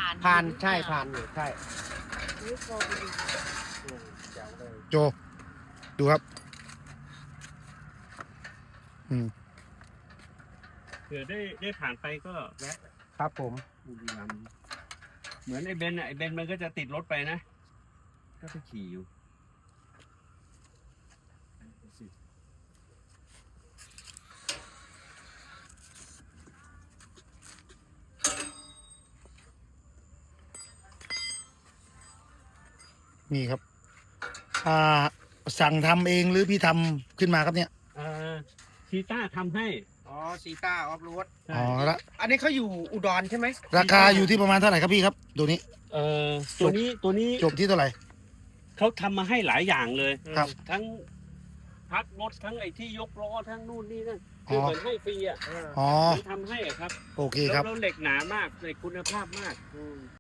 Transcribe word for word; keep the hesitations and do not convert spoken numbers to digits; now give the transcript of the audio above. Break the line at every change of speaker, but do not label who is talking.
าน
ผ่านใช่ผ่านอยู่ใช่
นี่โกงดี
อืมแจ๋วเลย
โจดูครับอืม
เผื่อได้ได้ผ่านไปก็แวะ
ครับผม
บุรีรัมย์เหมือนไอ้เบนซ์อ่ะไอ้เบนซ์มันก็จะติดรถไปนะ ก็ไปขี่อยู่
นี่ครับ อ่า สั่งทำเองหรือพี่ทำขึ้นมาครับเนี่ย
เอ่อชีต้าทำให้
อ๋อซีต้าออฟโรด
ใช่
อ๋อละ
อันนี้เขาอยู่อุดรใช่ไหม
ราคาอยู่ที่ประมาณเท่าไหร่ครับพี่ครับตัวนี้
เอ่อตัวนี้ตัวนี้
จบที่เท่าไหร่
เขาทำมาให้หลายอย่างเลย
ครับ
ทั้งพักรถทั้งไอ้ที่ยกล้อทั้งนู่นนี่นั่น
อ๋
คือ
อ
เหมือนให้ฟรีอ่ะ
เออ
อ๋อ
มันทำให้อะครับ
โอเคค
แล้
รั
ว
บ
แล้วเหล็กหนามากเหล็กคุณภาพมาก
อืม